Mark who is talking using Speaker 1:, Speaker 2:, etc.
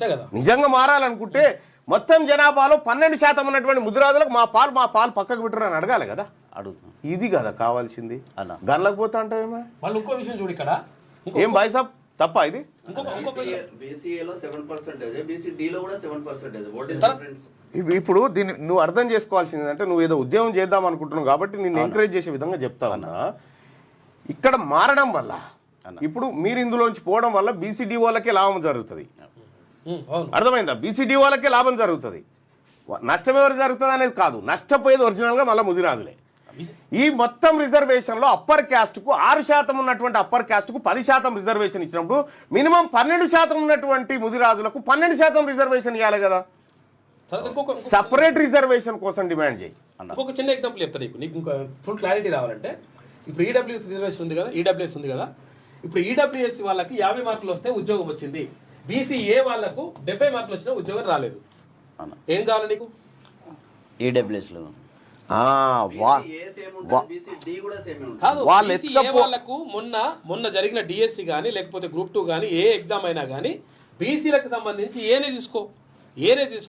Speaker 1: నిజంగా మారాలనుకుంటే మొత్తం జనాభాలో 12% ఉన్నటువంటి ముదిరాజులకు మా పాలు పక్కకు పెట్టరు అని అడగాలి కదా.
Speaker 2: అడుగుతున్నాం.
Speaker 1: ఇది కదా కావాల్సింది.
Speaker 2: అలా
Speaker 1: గన్లకు పోతా అంటావేమో.
Speaker 3: మళ్ళీ ఇంకో విషయం చూడు ఇక్కడ.
Speaker 1: ఏం బాయ్ సాబ్ తప్ప ఇది?
Speaker 4: బీసీఏలో 7%, బీసీడీలో కూడా 7%. What is difference?
Speaker 1: ఇప్పుడు దీన్ని నువ్వు అర్థం చేసుకోవాల్సింది అంటే నువ్వు ఏదో ఉద్యోగం చేద్దాం అనుకుంటున్నావు కాబట్టి నేను ఎంకరేజ్ చేసే విధంగా చెప్తా ఉన్నా. ఇక్కడ మారడం వల్ల ఇప్పుడు మీరు ఇందులోంచి పోవడం వల్ల బీసీడీ వాళ్ళకే లాభం జరుగుతుంది. అర్థమైందా? బీసీడీ వాళ్ళకే లాభం జరుగుతుంది. నష్టం ఎవరు జరుగుతుంది అనేది కాదు, నష్టపోయేది ఒరిజినల్గా మళ్ళీ ముదిరాజులే. ఈ మొత్తం రిజర్వేషన్లో అప్పర్ క్యాస్ట్కు 6% ఉన్నటువంటి అప్పర్ క్యాస్ట్కు 10% రిజర్వేషన్ ఇచ్చినప్పుడు మినిమం 12% ఉన్నటువంటి ముదిరాజులకు 12% రిజర్వేషన్ ఇవ్వాలి కదా. సపరేట్ రిజర్వేషన్ కోసం డిమాండ్ చేయి.
Speaker 3: ఇంకొక చిన్న ఎగ్జాంపుల్ చెప్తా నీకు ఇంకా ఫుల్ క్లారిటీ రావాలంటే. ఇప్పుడు ఈడబ్ల్యూఎస్ రిజర్వేషన్ ఉంది కదా, ఈడబ్ల్యూఎస్ ఉంది కదా. ఇప్పుడు ఈడబ్ల్యూఎస్ వాళ్ళకి 50 మార్కులు వస్తే ఉద్యోగం వచ్చింది, బీసీఏ వాళ్ళకు 70 మార్కులు వచ్చినా ఉద్యోగం రాలేదు. ఏం కావాలి నీకు?
Speaker 2: ఈడబ్ల్యూఎస్లో
Speaker 3: వాళ్ళకు మొన్న జరిగిన డిఎస్సి కానీ లేకపోతే గ్రూప్ 2 కానీ ఏ ఎగ్జామ్ అయినా కానీ బీసీలకు సంబంధించి ఏనే తీసుకో